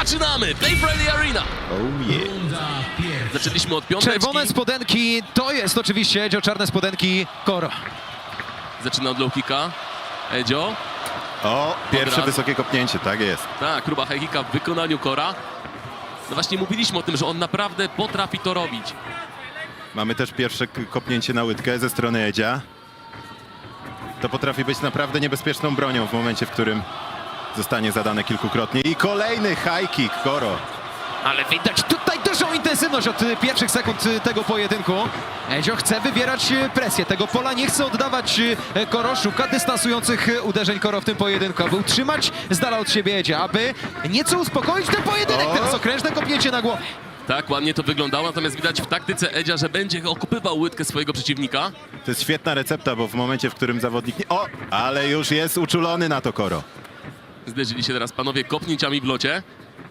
Zaczynamy! Play Friendly Arena! Oh yeah. Zaczęliśmy od piąteczki. Czerwone spodenki to jest oczywiście Edzio, czarne spodenki Koro. Zaczyna od low kicka. Edzio. O, pierwsze Dobra. wysokie kopnięcie, tak jest. Tak, próba high kicka w wykonaniu Kora. No właśnie mówiliśmy o tym, że on naprawdę potrafi to robić. Mamy też pierwsze kopnięcie na łydkę ze strony Edzia. To potrafi być naprawdę niebezpieczną bronią w momencie, w którym zostanie zadane kilkukrotnie. I kolejny high kick, Koro. Ale widać tutaj dużą intensywność od pierwszych sekund tego pojedynku. Edzio chce wywierać presję. Tego pola nie chce oddawać Koro. Szuka dystansujących uderzeń Koro w tym pojedynku, aby utrzymać z dala od siebie Edzia, aby nieco uspokoić ten pojedynek. O! Teraz okrężne kopnięcie na głowę. Tak, ładnie to wyglądało, natomiast widać w taktyce Edzia, że będzie okupywał łydkę swojego przeciwnika. To jest świetna recepta, bo w momencie, w którym zawodnik nie... O, ale już jest uczulony na to Koro. Zderzyli się teraz panowie kopnięciami w locie.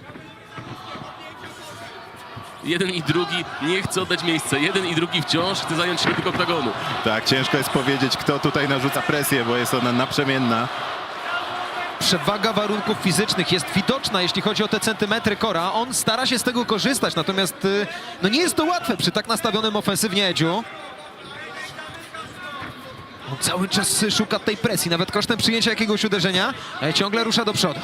Jeden i drugi nie chce oddać miejsca. Jeden i drugi wciąż chce zająć środek oktagonu. Tak, ciężko jest powiedzieć, kto tutaj narzuca presję, bo jest ona naprzemienna. Przewaga warunków fizycznych jest widoczna, jeśli chodzi o te centymetry Kora. On stara się z tego korzystać, natomiast no nie jest to łatwe przy tak nastawionym ofensywnie Edziu. On cały czas szuka tej presji, nawet kosztem przyjęcia jakiegoś uderzenia. Ciągle rusza do przodu.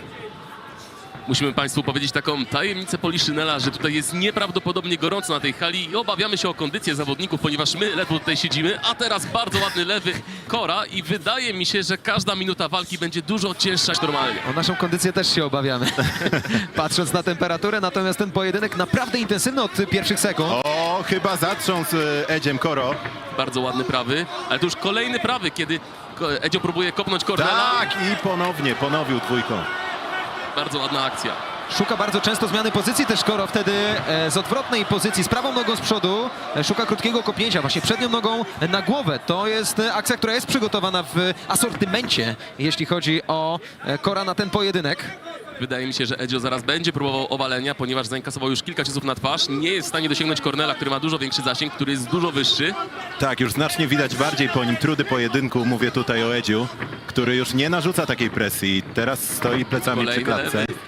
Musimy państwu powiedzieć taką tajemnicę Poliszynela, że tutaj jest nieprawdopodobnie gorąco na tej hali i obawiamy się o kondycję zawodników, ponieważ my ledwo tutaj siedzimy, a teraz bardzo ładny lewy Kora i wydaje mi się, że każda minuta walki będzie dużo cięższa niż normalnie. O naszą kondycję też się obawiamy, patrząc na temperaturę, natomiast ten pojedynek naprawdę intensywny od pierwszych sekund. O, chyba zatrząsł Edziem Koro. Bardzo ładny prawy, ale to już kolejny prawy, kiedy Edzio próbuje kopnąć Cornela. Tak, i ponownie, ponowił dwójką. Bardzo ładna akcja. Szuka bardzo często zmiany pozycji też Koro, wtedy z odwrotnej pozycji, z prawą nogą z przodu, szuka krótkiego kopnięcia, właśnie przednią nogą na głowę. To jest akcja, która jest przygotowana w asortymencie, jeśli chodzi o Kora na ten pojedynek. Wydaje mi się, że Edzio zaraz będzie próbował owalenia, ponieważ zainkasował już kilka ciosów na twarz. Nie jest w stanie dosięgnąć Cornela, który ma dużo większy zasięg, który jest dużo wyższy. Tak, już znacznie widać bardziej po nim trudy pojedynku. Mówię tutaj o Edziu, który już nie narzuca takiej presji. Teraz stoi plecami przy Kolejny klatce. lewy.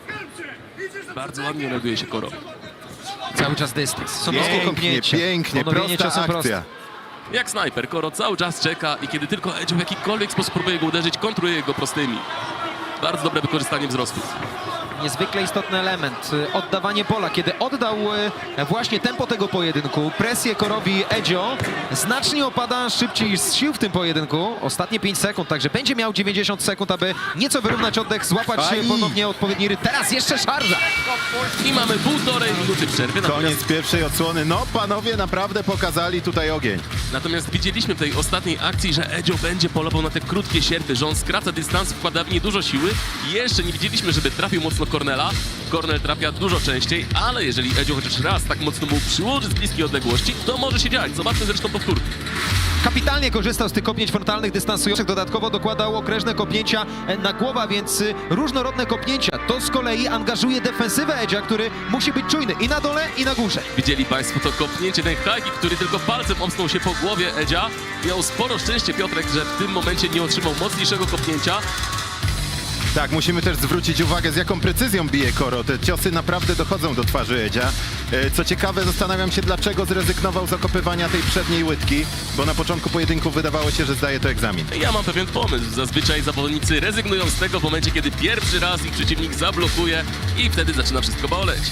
Bardzo ładnie reaguje się Koro. Cały czas dystans. Są niskie Pięknie, kopnięcie. pięknie, Ponowienie prosta ciosem prosto. akcja. Jak snajper, Koro cały czas czeka i kiedy tylko Edzio w jakikolwiek sposób próbuje go uderzyć, kontruje go prostymi. Bardzo dobre wykorzystanie wzrostu. Niezwykle istotny element, oddawanie pola. Kiedy oddał właśnie tempo tego pojedynku, presję Korowi Edzio, znacznie opada szybciej z sił w tym pojedynku. Ostatnie 5 sekund, także będzie miał 90 sekund, aby nieco wyrównać oddech, złapać Aj. ponownie odpowiedni rytm. Teraz jeszcze szarża. I mamy 1,5 minuty przerwy. Koniec pierwszej odsłony. No, panowie naprawdę pokazali tutaj ogień. Natomiast widzieliśmy w tej ostatniej akcji, że Edzio będzie polował na te krótkie sierpy, że on skraca dystans, wkłada w nie dużo siły. Jeszcze nie widzieliśmy, żeby trafił mocno Cornela. Cornel trafia dużo częściej, ale jeżeli Edzio chociaż raz tak mocno mu przyłoży z bliskiej odległości, to może się dziać. Zobaczmy zresztą powtórkę. Kapitalnie korzystał z tych kopnięć frontalnych, dystansujących. Dodatkowo dokładał okrężne kopnięcia na głowę, więc różnorodne kopnięcia. To z kolei angażuje defensywę Edzia, który musi być czujny i na dole, i na górze. Widzieli państwo to kopnięcie, ten high kick, który tylko palcem omsnął się po głowie Edzia. Miał sporo szczęście Piotrek, że w tym momencie nie otrzymał mocniejszego kopnięcia. Tak, musimy też zwrócić uwagę, z jaką precyzją bije Koro. Te ciosy naprawdę dochodzą do twarzy Edzia. Co ciekawe, zastanawiam się, dlaczego zrezygnował z okopywania tej przedniej łydki, bo na początku pojedynku wydawało się, że zdaje to egzamin. Ja mam pewien pomysł. Zazwyczaj zawodnicy rezygnują z tego w momencie, kiedy pierwszy raz ich przeciwnik zablokuje i wtedy zaczyna wszystko boleć.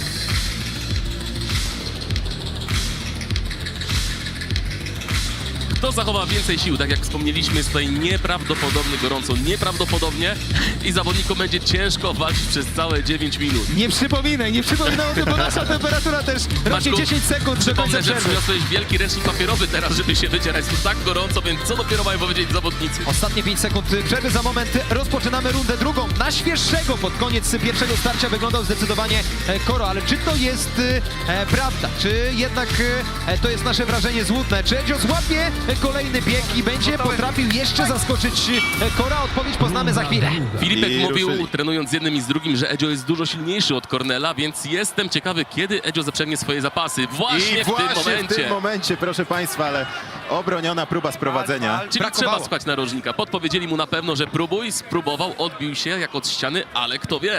Kto zachowa więcej sił? Tak jak wspomnieliśmy, jest tutaj nieprawdopodobnie gorąco, nieprawdopodobnie i zawodnikom będzie ciężko walczyć przez całe 9 minut. Nie przypominaj o tym, bo nasza temperatura też rośnie Maćku, 10 sekund do końca Przypomnę, że przerwy. przyniosłeś wielki ręcznik papierowy teraz, żeby się wycierać. To tak gorąco, więc co dopiero mają powiedzieć zawodnicy? Ostatnie 5 sekund przerwy, za moment rozpoczynamy rundę drugą. Na świeższego pod koniec pierwszego starcia wyglądał zdecydowanie Koro, ale czy to jest prawda? Czy jednak to jest nasze wrażenie złudne? Czy Edzio złapie kolejny bieg i będzie potrafił jeszcze zaskoczyć Kora? Odpowiedź poznamy za chwilę. Filipek I mówił, ruszyli. trenując z jednym i z drugim, że Edzio jest dużo silniejszy od Cornela, więc jestem ciekawy, kiedy Edzio zaprzęgnie swoje zapasy. Właśnie I w tym właśnie momencie. w tym momencie, proszę państwa, ale obroniona próba sprowadzenia. Czyli Brakowało. trzeba spać narożnika. Podpowiedzieli mu na pewno, że próbuj, spróbował, odbił się jak od ściany, ale kto wie.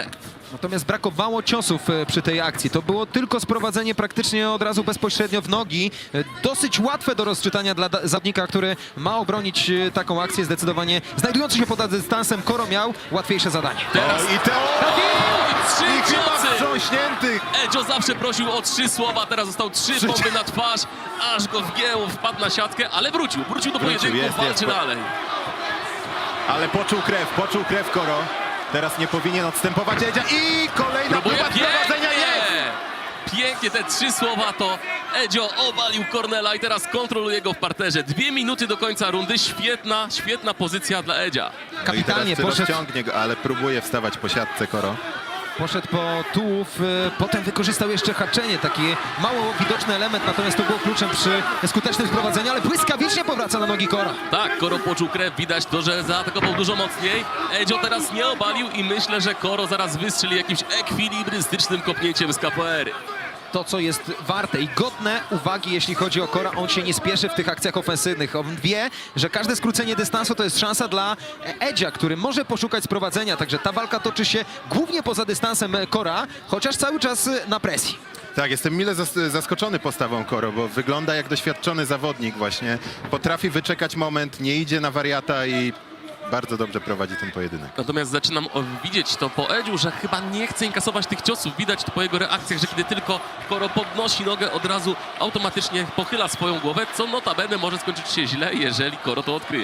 Natomiast brakowało ciosów przy tej akcji. To było tylko sprowadzenie praktycznie od razu bezpośrednio w nogi. Dosyć łatwe do rozczytania dla zawodnika, który ma obronić taką akcję. Zdecydowanie znajdujący się pod dystansem, Koro miał łatwiejsze zadanie. Teraz O, i te trzy i chyba ciosy! wstrząśnięty. Edzio zawsze prosił o 3 słowa, teraz został 3 bomby na twarz, aż go wgięło, wpadł na siatkę, ale wrócił do pojedynku, walczy dalej. Ale poczuł krew Koro. Teraz nie powinien odstępować Edzia i kolejna próba sprowadzenia jest! Pięknie te 3 słowa to Edzio obalił Cornela i teraz kontroluje go w parterze. 2 minuty do końca rundy, świetna pozycja dla Edzia. Kapitalnie I teraz poszedł. rozciągnie go, ale próbuje wstawać po siatce Koro. Poszedł po tułów, potem wykorzystał jeszcze haczenie, taki mało widoczny element, natomiast to było kluczem przy skutecznym sprowadzeniu, ale błyskawicznie powraca na nogi Kora. Tak, Koro poczuł krew, widać to, że zaatakował dużo mocniej. Edzio teraz nie obalił i myślę, że Koro zaraz wystrzeli jakimś ekwilibrystycznym kopnięciem z capoeiry. To, co jest warte i godne uwagi, jeśli chodzi o Kora, on się nie spieszy w tych akcjach ofensywnych. On wie, że każde skrócenie dystansu to jest szansa dla Edzia, który może poszukać sprowadzenia, także ta walka toczy się głównie poza dystansem Kora, chociaż cały czas na presji. Tak, jestem mile zaskoczony postawą Koro, bo wygląda jak doświadczony zawodnik właśnie. Potrafi wyczekać moment, nie idzie na wariata i bardzo dobrze prowadzi ten pojedynek. Natomiast zaczynam widzieć to po Edziu, że chyba nie chce inkasować tych ciosów. Widać to po jego reakcjach, że kiedy tylko Koro podnosi nogę, od razu automatycznie pochyla swoją głowę, co notabene może skończyć się źle, jeżeli Koro to odkryje.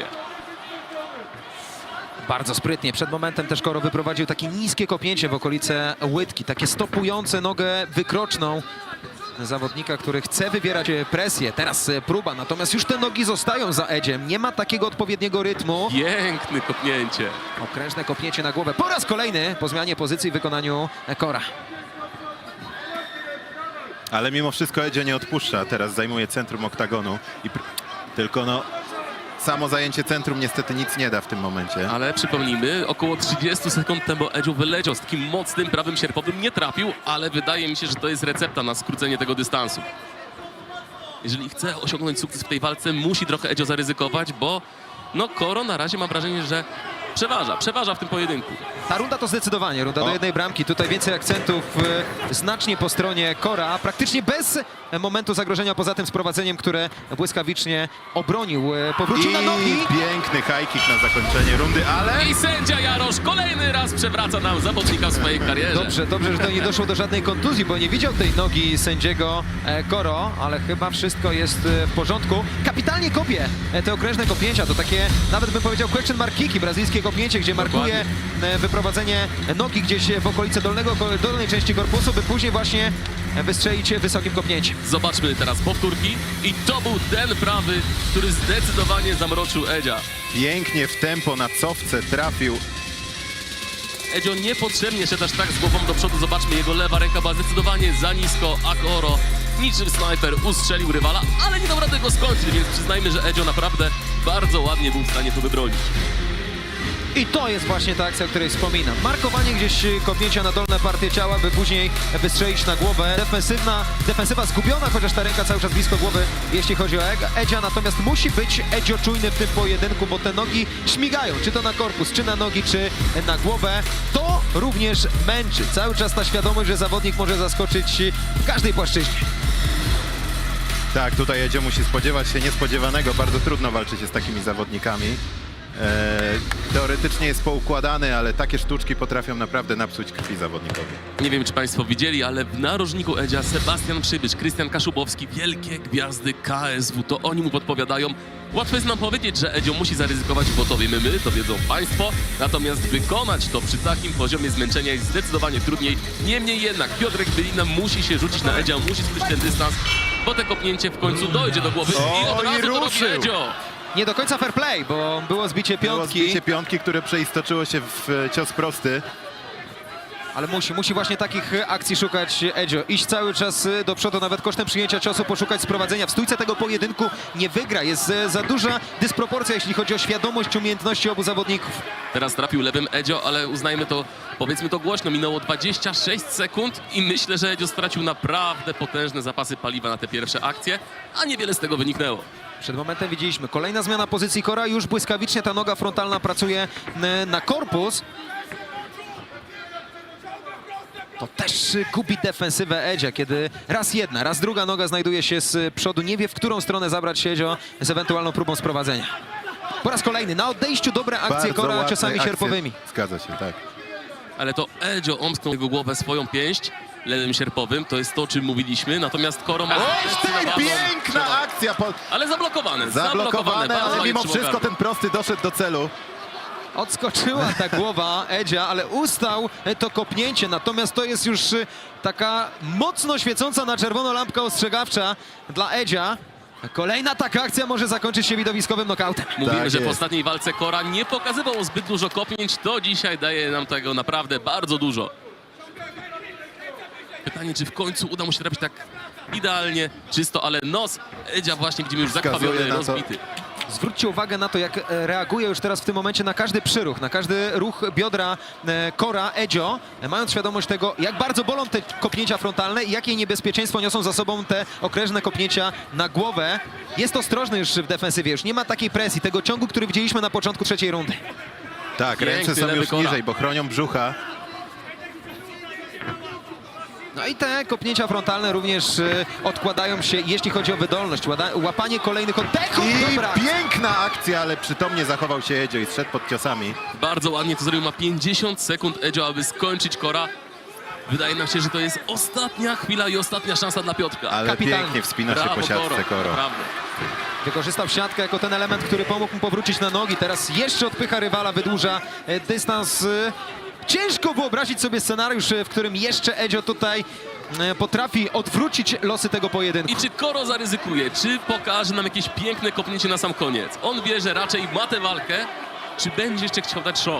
Bardzo sprytnie. Przed momentem też Koro wyprowadził takie niskie kopnięcie w okolice łydki, takie stopujące nogę wykroczną zawodnika, który chce wywierać presję. Teraz próba, natomiast już te nogi zostają za Edziem. Nie ma takiego odpowiedniego rytmu. Piękne kopnięcie. Okrężne kopnięcie na głowę. Po raz kolejny po zmianie pozycji w wykonaniu Kora. Ale mimo wszystko Edzio nie odpuszcza, teraz zajmuje centrum oktagonu. Tylko no, samo zajęcie centrum niestety nic nie da w tym momencie. Ale przypomnijmy, około 30 sekund temu Edziu wyleciał z takim mocnym prawym sierpowym, nie trafił, ale wydaje mi się, że to jest recepta na skrócenie tego dystansu. Jeżeli chce osiągnąć sukces w tej walce, musi trochę Edzio zaryzykować, bo no Koro na razie mam wrażenie, że przeważa w tym pojedynku. Ta runda to zdecydowanie runda do jednej bramki. Tutaj więcej akcentów znacznie po stronie Kora. Praktycznie bez momentu zagrożenia poza tym sprowadzeniem, które błyskawicznie obronił. Powrócił na nogi. Piękny high kick na zakończenie rundy, ale... I sędzia Jarosz kolejny raz przewraca nam zawodnika w swojej karierze. Dobrze, że to nie doszło do żadnej kontuzji, bo nie widział tej nogi sędziego Koro, ale chyba wszystko jest w porządku. Kapitalnie kopie te okrężne kopnięcia. To takie, nawet bym powiedział, question mark kicki, brazylijskie kopnięcie, gdzie markuje wyprowadzenie nogi gdzieś w okolice dolnej części korpusu, by później właśnie wystrzelić wysokim kopnięciem. Zobaczmy teraz powtórki i to był ten prawy, który zdecydowanie zamroczył Edzia. Pięknie w tempo na cofce trafił. Edzio niepotrzebnie szedł aż tak z głową do przodu. Zobaczmy, jego lewa ręka była zdecydowanie za nisko, a Koro niczym snajper ustrzelił rywala, ale nie dał rady go skończyć, więc przyznajmy, że Edzio naprawdę bardzo ładnie był w stanie to wybronić. I to jest właśnie ta akcja, o której wspominam. Markowanie gdzieś kopnięcia na dolne partie ciała, by później wystrzelić na głowę. Defensywa zgubiona, chociaż ta ręka cały czas blisko głowy, jeśli chodzi o Edzia. Natomiast musi być Edzio czujny w tym pojedynku, bo te nogi śmigają, czy to na korpus, czy na nogi, czy na głowę. To również męczy. Cały czas ta świadomość, że zawodnik może zaskoczyć w każdej płaszczyźnie. Tak, tutaj Edzio musi spodziewać się niespodziewanego. Bardzo trudno walczyć z takimi zawodnikami. Teoretycznie jest poukładany, ale takie sztuczki potrafią naprawdę napsuć krwi zawodnikowi. Nie wiem, czy Państwo widzieli, ale w narożniku Edzia Sebastian Przybysz, Krystian Kaszubowski, wielkie gwiazdy KSW, to oni mu podpowiadają. Łatwo jest nam powiedzieć, że Edzio musi zaryzykować, bo to wiemy my, to wiedzą Państwo. Natomiast wykonać to przy takim poziomie zmęczenia jest zdecydowanie trudniej. Niemniej jednak Piotrek Bylina musi się rzucić na Edzia, musi skrócić ten dystans, bo te kopnięcie w końcu dojdzie do głowy i od razu to robi Edzio. Nie do końca fair play, bo było zbicie Było piątki. zbicie piątki, które przeistoczyło się w cios prosty. Ale musi właśnie takich akcji szukać Edzio. Iść cały czas do przodu, nawet kosztem przyjęcia ciosu, poszukać sprowadzenia. W stójce tego pojedynku nie wygra. Jest za duża dysproporcja, jeśli chodzi o świadomość, umiejętności obu zawodników. Teraz trafił lewym Edzio, ale uznajmy to, powiedzmy to głośno, minęło 26 sekund i myślę, że Edzio stracił naprawdę potężne zapasy paliwa na te pierwsze akcje, a niewiele z tego wyniknęło. Przed momentem widzieliśmy kolejna zmiana pozycji Kora. Już błyskawicznie ta noga frontalna pracuje na korpus. To też gubi defensywę Edzia, kiedy raz jedna, raz druga noga znajduje się z przodu. Nie wie, w którą stronę zabrać się Edzio z ewentualną próbą sprowadzenia. Po raz kolejny na odejściu dobre akcje Bardzo Kora ładne ciosami akcje. sierpowymi. Zgadza się, tak. Ale to Edzio omsknął jego głowę swoją pięść lewym sierpowym, to jest to, o czym mówiliśmy, natomiast Koro ma Oj, zdecydowaną piękna przewagę. akcja! Ale zablokowane, Zablokowane, bardzo ale ładnie mimo trzymał wszystko gardło. ten prosty doszedł do celu. Odskoczyła ta głowa Edzia, ale ustał to kopnięcie. Natomiast to jest już taka mocno świecąca na czerwono lampka ostrzegawcza dla Edzia. Kolejna taka akcja może zakończyć się widowiskowym knockoutem. Mówimy, Tak że w jest. ostatniej walce Kora nie pokazywał zbyt dużo kopnięć, to dzisiaj daje nam tego naprawdę bardzo dużo. Pytanie, czy w końcu uda mu się trafić tak idealnie, czysto, ale nos Edzia właśnie widzimy już Wskazuje zakrwawiony, na to. rozbity. Zwróćcie uwagę na to, jak reaguje już teraz w tym momencie na każdy przyruch, na każdy ruch biodra Kora, Edzio, mając świadomość tego, jak bardzo bolą te kopnięcia frontalne i jakie niebezpieczeństwo niosą za sobą te okrężne kopnięcia na głowę. Jest ostrożny już w defensywie, już nie ma takiej presji, tego ciągu, który widzieliśmy na początku trzeciej rundy. Tak, Piękny ręce są lewy już Kora. niżej, bo chronią brzucha. No i te kopnięcia frontalne również odkładają się, jeśli chodzi o wydolność, łapanie kolejnych oddechów. I Dobra. piękna akcja, ale przytomnie zachował się Edzio i zszedł pod ciosami. Bardzo ładnie to zrobił, ma 50 sekund Edzio, aby skończyć Kora. Wydaje nam się, że to jest ostatnia chwila i ostatnia szansa dla Piotrka. Ale Kapitalnie. pięknie wspina się Brawo, po siatce Koro. Naprawdę. Wykorzystał siatkę jako ten element, który pomógł mu powrócić na nogi. Teraz jeszcze odpycha rywala, wydłuża dystans. Ciężko wyobrazić sobie scenariusz, w którym jeszcze Edzio tutaj potrafi odwrócić losy tego pojedynku. I czy Koro zaryzykuje, czy pokaże nam jakieś piękne kopnięcie na sam koniec? On wie, że raczej ma tę walkę, czy będzie jeszcze chciał dać show?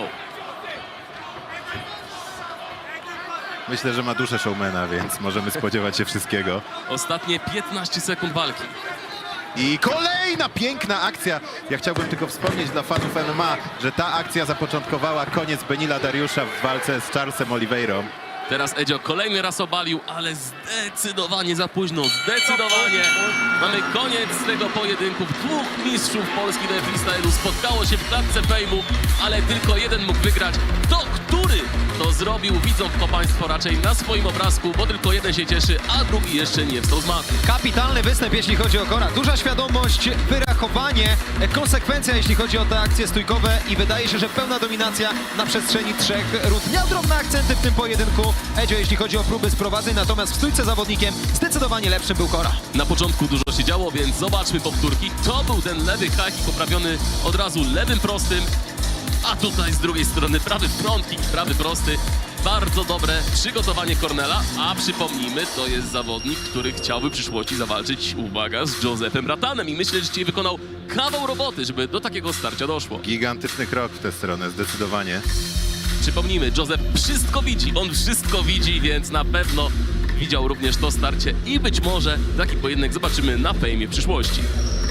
Myślę, że ma duszę showmana, więc możemy spodziewać się wszystkiego. Ostatnie 15 sekund walki. I kolejna piękna akcja. Ja chciałbym tylko wspomnieć dla fanów MMA, że ta akcja zapoczątkowała koniec Benila Dariusza w walce z Charlesem Oliveirą. Teraz Edzio kolejny raz obalił, ale zdecydowanie za późno, zdecydowanie. Mamy koniec tego pojedynku. Dwóch mistrzów Polski do freestylu spotkało się w klatce fejmu, ale tylko jeden mógł wygrać. To który to zrobił, widzą to Państwo raczej na swoim obrazku, bo tylko jeden się cieszy, a drugi jeszcze nie wstał z maty. Kapitalny występ, jeśli chodzi o Kora. Duża świadomość, wyrachowanie, konsekwencja, jeśli chodzi o te akcje stójkowe i wydaje się, że pełna dominacja na przestrzeni 3 rund. Miał drobne akcenty w tym pojedynku Edzio, jeśli chodzi o próby sprowadzeń, natomiast w stójce zawodnikiem zdecydowanie lepszym był Kora. Na początku dużo się działo, więc zobaczmy powtórki. To był ten lewy high kick poprawiony od razu lewym prostym, a tutaj z drugiej strony prawy front kick, prawy prosty. Bardzo dobre przygotowanie Cornela, a przypomnijmy, to jest zawodnik, który chciałby w przyszłości zawalczyć, uwaga, z Josephem Ratanem i myślę, że dzisiaj wykonał kawał roboty, żeby do takiego starcia doszło. Gigantyczny krok w tę stronę, zdecydowanie. Przypomnijmy, Joseph wszystko widzi, on wszystko widzi, więc na pewno widział również to starcie i być może taki pojedynek zobaczymy na fejmie w przyszłości.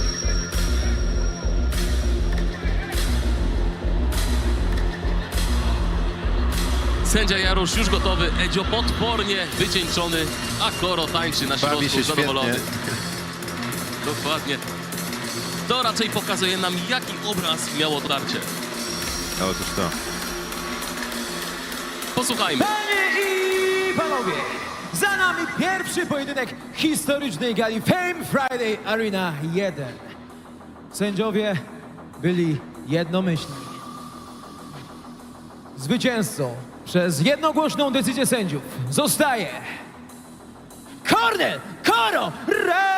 Sędzia Jarosz już gotowy, Edzio potwornie wycieńczony, a Koro tańczy na Bawi środku się zadowolony. świetnie. Dokładnie. To raczej pokazuje nam, jaki obraz miało tarcie. Otóż to. Posłuchajmy. Panie i panowie, za nami pierwszy pojedynek historycznej gali Fame Friday Arena 1. Sędziowie byli jednomyślni. Zwycięzcą przez jednogłośną decyzję sędziów zostaje Cornel Koro Ray!